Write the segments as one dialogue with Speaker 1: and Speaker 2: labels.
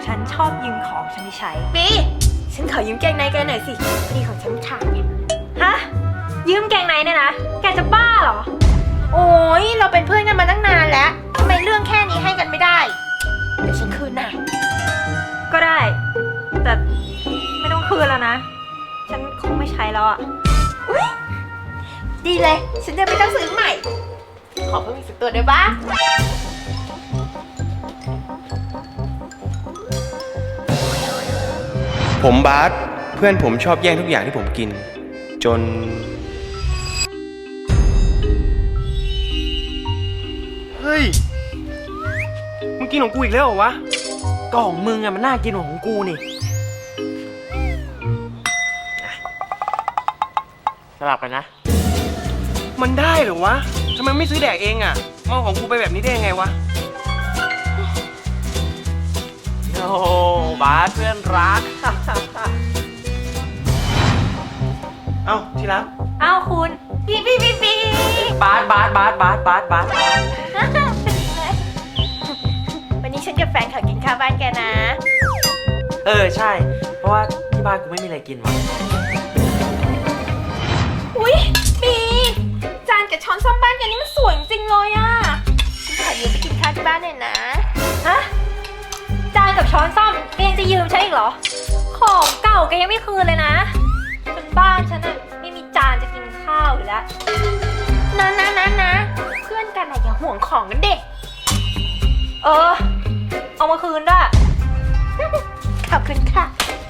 Speaker 1: ฉันชอบยืมของฉันไม่ใช้ปีฉันขอยืมแกงในแกหน่อยสิพอดีของฉันขาดไงฮะยืมแกงในเนี่ยนะแกจะบ้าเหรอโอ้ยเราเป็นเพื่อนกันมาตั้งนานแล้วทำไมเรื่องแค่นี้ให้กันไม่ได้เดี๋ยวฉันคืนน่ะก็ได้แต่ไม่ต้องคืนแล้วนะฉันคงไม่ใช้แล้วอ่ะอุ๊ยดีเลยฉันจะไม่ต้องซื้อใหม่ขอเพิ่มอีกสักตัวได้ปะ
Speaker 2: ผมบาสเพื่อนผมชอบแย่งทุกอย่างที่ผมกินจนเฮ้ยมึงกินของกูอีกแล้วเหรอวะก็ของมึงอะมันน่ากินกว่าของกูนี่สลับกันนะมันได้เหรอวะทำไมไม่ซื้อแดกเองอะมาเอาของกูไปแบบนี้ได้ยังไงวะโอ้บาสเพื่อนรัก เอ้าที่รัก
Speaker 1: เอ้าคุณปี
Speaker 2: บาส
Speaker 1: วันนี้ฉันกับแฟนขอกินข้าวบ้านแกนะ
Speaker 2: ใช่เพราะว่าที่บ้านกูไม่มีอะไรกินวะ
Speaker 1: อุ๊ยปีจานกับช้อนซ่อมบ้านแกนี่มันสวยจริงเลยอ่ะฉันขอยืมไปกินข้าวที่บ้านหน่อยนะฮะจานกับช้อนซ่อมแกยังจะยืมฉันอีกเหรอของเก่าแกยังไม่คืนเลยนะจนบ้านฉันน่ะไม่มีจานจะกินข้าวอยู่แล้วนะเพื่อนกันอะอย่าห่วงของกันเด็กเอามาคืนด้วยขอบคุณค่ะ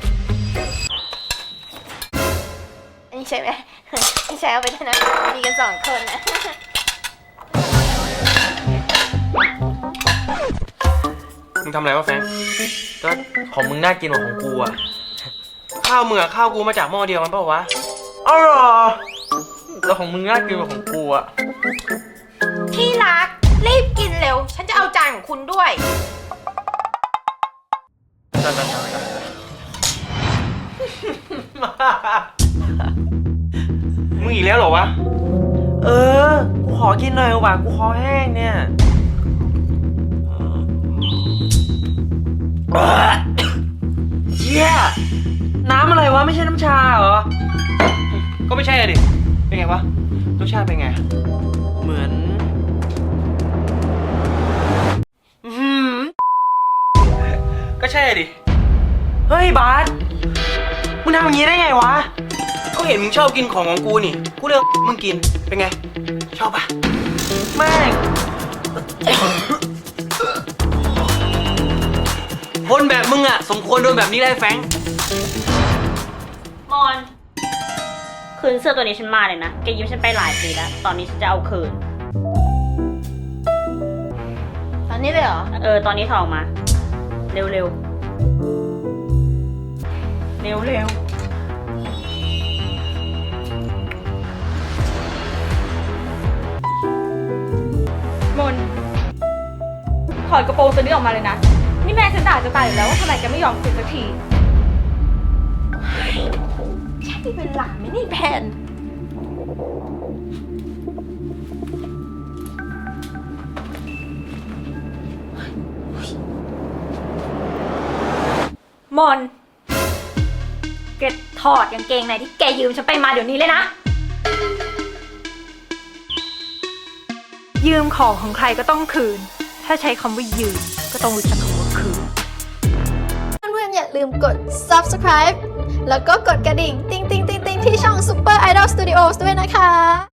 Speaker 1: อันนี้ใช่ไหมไม่ใช่เอาไปด้วยนะมีกัน2 คนนะ
Speaker 2: มึงทำอะไรวะแฟนก็ของมึงน่ากินกว่าของกูอะข้าวมึงอะข้าวกูมาจากหม้อเดียวมันเปล่าวะอ๋อเหรอแล้วของมึงน่ากินกว่าของกูอะ
Speaker 1: ที่รักรีบกินเร็วฉันจะเอาจานของคุณด้วย
Speaker 2: มึงอีกแล้วเหรอวะกูขอกินหน่อยว่ะกูคอแห้งเนี่ยเชี่ยน้ำอะไรวะไม่ใช่น้ำชาเหรอก็ไม่ใช่อะดิเป็นไงวะรสชาติเป็นไงเหมือนก็ใช่ดิเฮ้ยบาสมึงทำอย่างนี้ได้ไงวะก็เห็นมึงชอบกินของกูนี่กูเลือกมึงกินเป็นไงชอบปะแม่งคนแบบมึงอะสมควรโดนแบบนี้ได้แฟง
Speaker 3: มอนคืนเสื้อตัวนี้ฉันมาเลยนะแกยืมฉันไปหลายปีแล้วตอนนี้ฉันจะเอาคืน
Speaker 1: ตอนนี้เลยเหรอ
Speaker 3: ตอนนี้ถอดออกมาเร็ว
Speaker 4: มนถอดกระโปรงตัวนี้ออกมาเลยนะนี่แม่ฉันด่าจะตายอยู่แล้วว่าทำไมแกไม่ยอมคืนสักที
Speaker 1: ใช่เป็นหลานไหมนี่แพนมอนแกถอดกางเกงในที่แกยืมฉันไปมาเดี๋ยวนี้เลยนะยืมของใครก็ต้องคืนถ้าใช้คำว่ายืมก็ต้องรู้จักคำว่าคืน
Speaker 5: เพื่อนๆอย่าลืมกด subscribe แล้วก็กดกระดิ่ง ติ๊งๆๆๆที่ช่อง Super Idol Studios ด้วยนะคะ